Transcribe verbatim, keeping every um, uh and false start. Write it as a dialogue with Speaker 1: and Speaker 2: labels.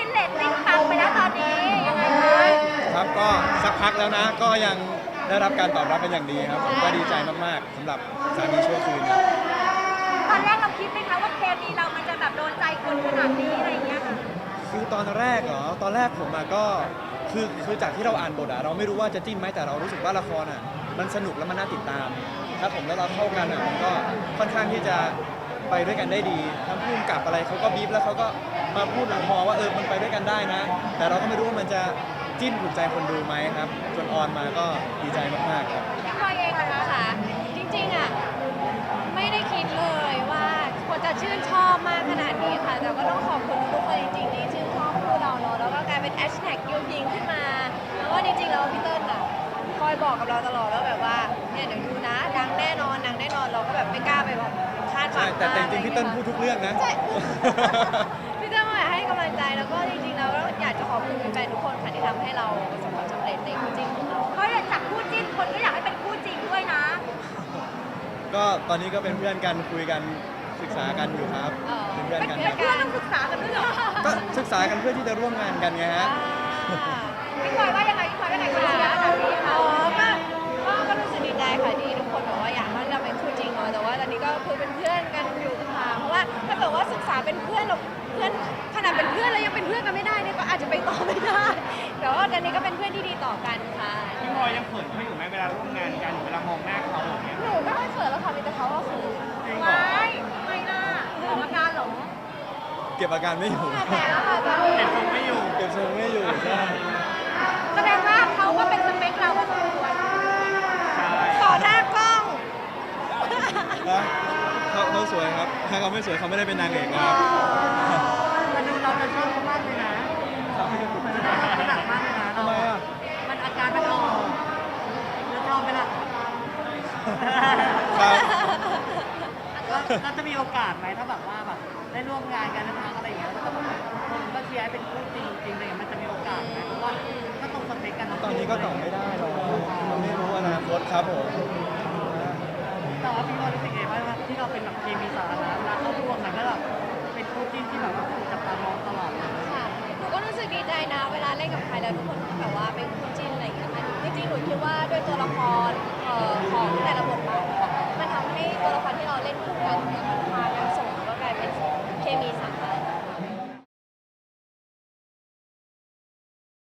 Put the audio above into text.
Speaker 1: นเลตติ้งปังไปแล้วตอนนี้ยังไงคะ
Speaker 2: ครับก็สักพักแล้วนะก็ยังได้รับการตอบรับเป็นอย่างดีครับผมก็ดีใจมากๆสำหรับสามีชั่วคืนครับ
Speaker 1: ตอนแรกเราคิดไหมคะว่าเคมีเรามันจะแบบโดนใจคนขนาดนี้อะไรอย่างเงี้ยค่ะ
Speaker 2: คือตอนแรกเหรอตอนแรกผมอะก็คือคือจากที่เราอ่านบทอะเราไม่รู้ว่าจะจิ้นไหมแต่เรารู้สึกว่าละครอะมันสนุกและมันน่าติดตามครับผมแล้วเราเข้ากันอะมันก็ค่อนข้างที่จะไปด้วยกันได้ดีทั้งพุ่มกับอะไรเขาก็บีบแล้วเขาก็มาพูดหลังมอว่าเออมันไปด้วยกันได้นะ แต่เราก็ไม่รู้ว่ามันจะจิ้นถูกใจคนดูไหมครับจนออนมาก็ดีใจมากๆครับ
Speaker 1: พี่พลอยเองอะคะ
Speaker 3: ค่ะจริงๆอ่ะไม่ได้คิดเลยว่าคนจะชื่นชอบมากขนาดนี้ค่ะแต่ก็ต้องขอบคุณทุกคนจริงๆที่ชื่นชอบคู่เราเนาะแล้วก็กลายเป็นแฮชแท็กยูพิงขึ้นมาแล้วก็จริงๆแล้วพี่เติ้ลอ่ะคอยบอกกับเราตลอดว่าแบบว่าเนี่ยเดี๋ยวดูนะดังแน่นอนดังแน่นอนเราก็แบบไม่กล้าไปแบบคาดหวั
Speaker 2: ใช่
Speaker 3: ง
Speaker 2: แต่แต่จ
Speaker 3: มาก
Speaker 2: ริงๆพี่เติ้ลพูดทุกเรื่องนะ
Speaker 3: ใช่ พี่เติ้ลก็อยากให้กำลังใจแล้วก็จริงๆแล้วอยากจะขอบคุณแฟนๆทุกคนค่ะที่ทำให้เราประสบความสำเร็จในคู่จิ้นของเรา
Speaker 1: เพราะอย่างจากคู่จิ้นคนก็อยากให้เป็นคู่จริงด้วยนะ
Speaker 2: ก็ตอนนี้ก็เป็นเพื่อนกันคุยกันศึกษากันอยู่ครับ
Speaker 3: อ๋อ
Speaker 2: เป็นเพื่อน
Speaker 1: เป็น
Speaker 2: กัน
Speaker 1: เป็น
Speaker 2: ครับ
Speaker 1: เพื่อนต้องศึกษากันด้วยเหรอ
Speaker 2: ก็ศึกษากันเพื่อที่จะร่วมงานกันไงฮะ
Speaker 3: อ่า
Speaker 1: พี่พลอยว่ายังไงพี่พลอยว่ายังไงคนเชียร์ขนาดนี้
Speaker 3: อ๋
Speaker 1: ค่ะ
Speaker 3: อก็ก็ก็รู้สึกดีใจค่ะที่ทุกคนบอกว่าอยากให้เราเป็นคู่จริงเนาะแต่ว่าตอนนี้ก็คือเป็นเพื่อนกันอยู่ค่ะเพราะว่าถ้าเกิดว่าศึกษาเป็นเพื่อนเราเพื่อนขนาดเป็นเพื่อนแล้วยังเป็นเพื่อนกันไม่ได้เนี่ยก็อาจจะไปต่อไม่ได้แต่ว่าตอนนี้ก็เป็นเพื่อนที่ดีต่อกันค่ะ
Speaker 4: พี่พลอยยังเขินเขาอยู่ไหมเวลาร่วมงานกันหรือเวลามองหน้าเขาอย่างเงี้ย
Speaker 3: หนูไม่ค่อยเขินแล้วค่ะมีแต่เขาก็เขิน
Speaker 4: จริงเหรอ
Speaker 1: ไม่ไม่น่าออกอาการเหรอ
Speaker 2: เก็บอาการไม่อยู่
Speaker 3: แต่แล้วค่ะตอนนี้
Speaker 4: เห็นทรงไม่อยู่
Speaker 2: เก็บทรงไม่อยู่ใช่
Speaker 1: แสดงว่าเขาก็เป็นสเปคเราพอสมควร
Speaker 3: ต่อหน้ากล้อง
Speaker 2: นะเขาเขาสวยครับ ถ้าเขาไม่สวยเขาไม่ได้เป็นนางเอกนะครับ
Speaker 5: มันดูเราจะชอบเขามากเลยนะมันจะชอบเขาหนักมากเลยนะ
Speaker 2: ทำไมอ่ะ
Speaker 5: มันอาการมันออกแล้วชอบไหมล่ะ
Speaker 2: ครับ
Speaker 5: ก็ก็จะมีโอกาสไหมถ้าแบบว่าแบบได้ร่วมงานกันทั้งอะไรอย่างเงี้ยแล้วก็แบบคนก็เชียร์ให้เป็นคู่จริงจริงๆอะไรอย่างเลยมันจะมีโอกาสไหมเพราะว่าก็ตรงสเปคกันทั้ง
Speaker 2: ตอนนี้ก็ตอบไม่ได้หรอกมันไม่รู้อนาคตครับผม
Speaker 5: แต่ว่าพี่ว่ารู้สึกไงบ้างว่าที่เราเป็นแบบเคมีสาธารณะแล้วเขารวมกันแล้วแบบเป็นคู่จิ้นที่แบบว่าถูกจับตามองตลอดเลย
Speaker 3: ค่ะหนูก็รู้สึกดีใจนะ เวลาเล่นกับใครแล้วทุกคนแบบว่าเป็นคู่จิ้นอะไรอย่างเงี้ยค่ะจริงๆหนูคิดว่าด้วยตัวละครเอ่อของแต่ละบทบาทอะค่ะมันทำให้ตัวละครที่เราเล่นคู่กันเ